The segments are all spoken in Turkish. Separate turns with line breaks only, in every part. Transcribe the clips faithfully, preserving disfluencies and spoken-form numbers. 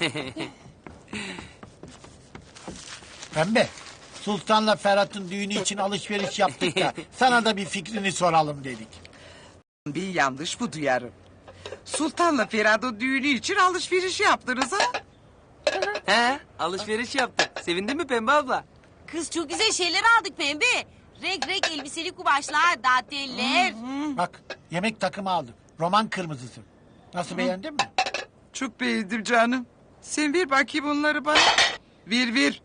Pembe, Sultan'la Ferhat'ın düğünü için alışveriş yaptık da sana da bir fikrini soralım dedik.
Bir yanlış bu duyarım. Sultan'la Ferhat'ın düğünü için alışveriş yaptınız ha?
He, alışveriş yaptık. Sevindin mi Pembe abla?
Kız çok güzel şeyler aldık Pembe. Renk renk elbiseli kumaşlar, danteller.
Bak, yemek takımı aldık. Roman kırmızısı. Nasıl, beğendin mi?
Çok beğendim canım. Sen ver bakayım onları bana. Ver ver.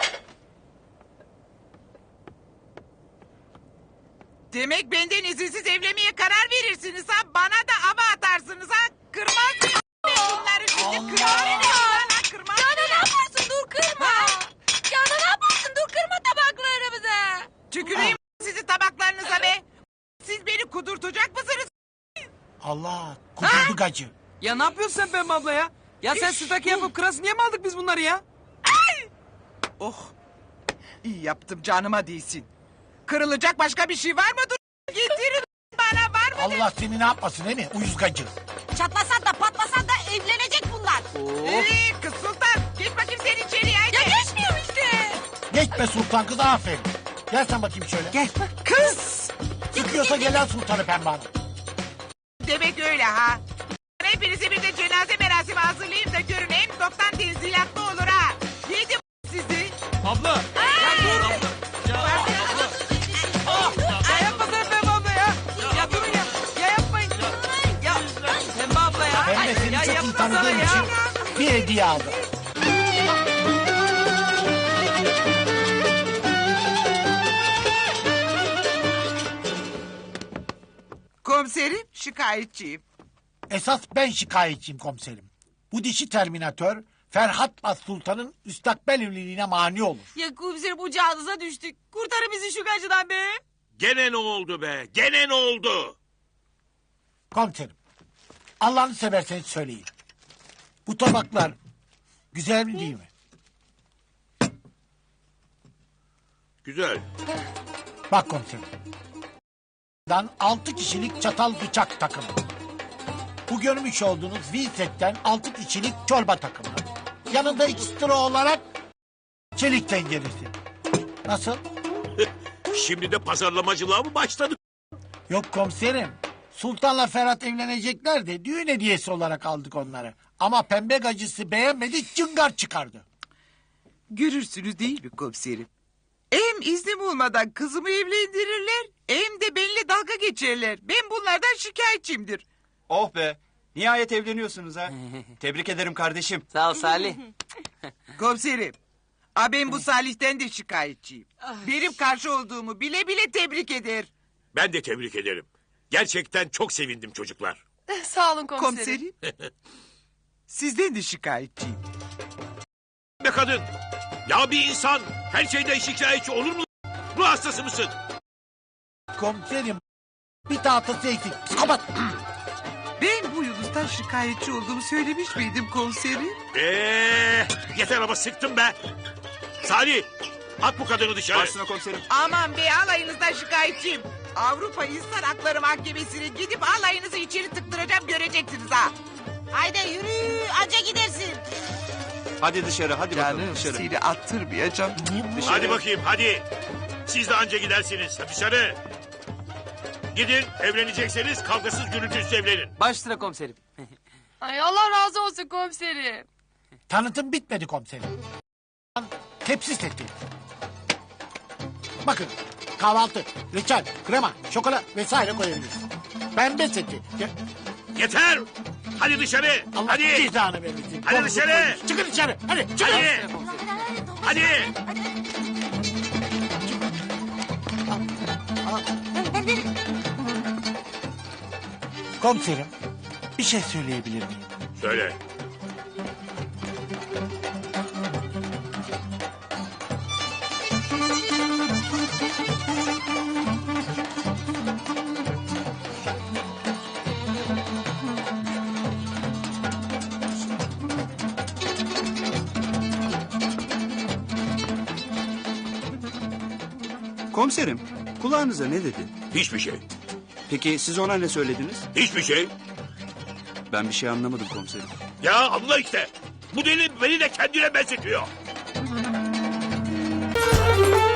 Demek benden izinsiz evlenmeye karar verirsiniz ha. Bana da ama atarsınız ha. Kırmaz mıyım ben bunları şimdi? Kırmaz mıyım lan? Kırmaz
Canan ne
mıyım?
yaparsın dur kırma. Canan ne yaparsın dur kırma tabaklarımızı.
Tüküreyim sizin tabaklarınıza be. Siz beni kudurtacak mısınız?
Allah, kudurdu gacı.
Ya ne yapıyorsun sen Pembe abla ya? Ya sen staki yapıp kırasın niye mi aldık biz bunları ya?
Oh. İyi yaptım, canıma değsin. Kırılacak başka bir şey var mı? Dur getirin bana, var mı?
Allah seni ne yapmasın değil mi? Uyuz gacı.
Çatlasan da patlasan da evlenecek bunlar.
Ee, kız Sultan, geç bakayım sen içeriye haydi.
Ya geçmiyorum işte.
Geçme Sultan kız, aferin. Gel sen bakayım şöyle.
Gel. Kız.
Sıkıyorsa gelen Sultan'ı Pembe Hanım.
Demek öyle ha. Hepinize bir de cenaze merasimi hazırlayayım da görün. Hem toptan tenzilatlı olur ha. Yedim sizi.
Abla. Ya dur. Abla. Ya abla. Ya yapmasana Pembe abla ya. Ya durun ya. Ya yapmayın. Ya Pembe abla ya.
Pembe seni
Ya
çok iyi
yapmasana
tanıdığım
ya.
için bir hediye aldım.
Komiserim, şikayetçiyim.
Esas ben şikayetçiyim komiserim. Bu dişi terminatör Ferhat'la Sultan'ın müstakbel evliliğine mani olur.
Ya komiserim ucağınıza düştük. Kurtarın bizi şu gacıdan be.
Gene ne oldu be? Gene ne oldu?
Komiserim, Allah'ını severseniz söyleyin. Bu tabaklar güzel mi değil mi?
Güzel.
Bak komiserim. Dan altı kişilik çatal bıçak takımı. Bu görmüş olduğunuz V-Set'ten altı kişilik çorba takımı. Yanında ekstra olarak çelik tenceresi. Nasıl?
Şimdi de pazarlamacılığa mı başladık?
Yok komiserim. Sultan'la Ferhat evlenecekler de düğün hediyesi olarak aldık onları. Ama pembe gacısı beğenmedi, cıngar çıkardı.
Görürsünüz değil mi komiserim? Hem iznim olmadan kızımı evlendirirler... ...hem de benimle dalga geçerler. Ben bunlardan şikayetçiyimdir.
Oh be. Nihayet evleniyorsunuz ha. Tebrik ederim kardeşim.
Sağ ol Salih.
Komiserim. A ben bu Salih'ten de şikayetçiyim. Benim karşı olduğumu bile bile tebrik eder.
Ben de tebrik ederim. Gerçekten çok sevindim çocuklar.
Sağ olun komiserim.
Komiserim. Sizden de şikayetçiyim.
Be kadın. Ya bir insan her şeyden şikayetçi olur mu? Ruh hastası mısın?
Komiserim, bir tahtası eksik. Psikopat.
Ben bu Yunus'tan şikayetçi olduğumu söylemiş miydim komiserim?
Eee, yeter ama sıktım be. Salih, at bu kadını dışarı.
Başına komiserim.
Aman be, alayınızdan şikayetçiyim. Avrupa İnsan Hakları Mahkemesi'ne gidip alayınızı içeri tıktıracağım, göreceksiniz ha.
Haydi yürü anca gidersin.
Hadi dışarı, hadi bakalım
Canım
dışarı.
seni attırmayacağım.
Dışarı.
Hadi bakayım hadi. Siz de anca gidersiniz. Hadi dışarı. Gidin, evlenecekseniz kavgasız gürültüsüz evlenin.
Baş sıra komiserim.
Ay Allah razı olsun komiserim.
Tanıtım bitmedi komiserim. Tepsi seti. Bakın, kahvaltı, reçel, krema, şokola vesaire koyabiliriz. Pembe seti. Ya,
Yeter. Hadi dışarı.
Allah
hadi.
cezanı vermesin.
Hadi
Korkutun
dışarı.
beni. Çıkın dışarı. Hadi çıkın.
Hadi. Hadi.
Komiserim, bir şey söyleyebilir miyim?
Söyle.
Komiserim, kulağınıza ne dedi?
Hiçbir şey.
Peki siz ona ne söylediniz?
Hiçbir şey.
Ben bir şey anlamadım komiserim.
Ya anla işte. Bu deli beni de kendine benzetiyor.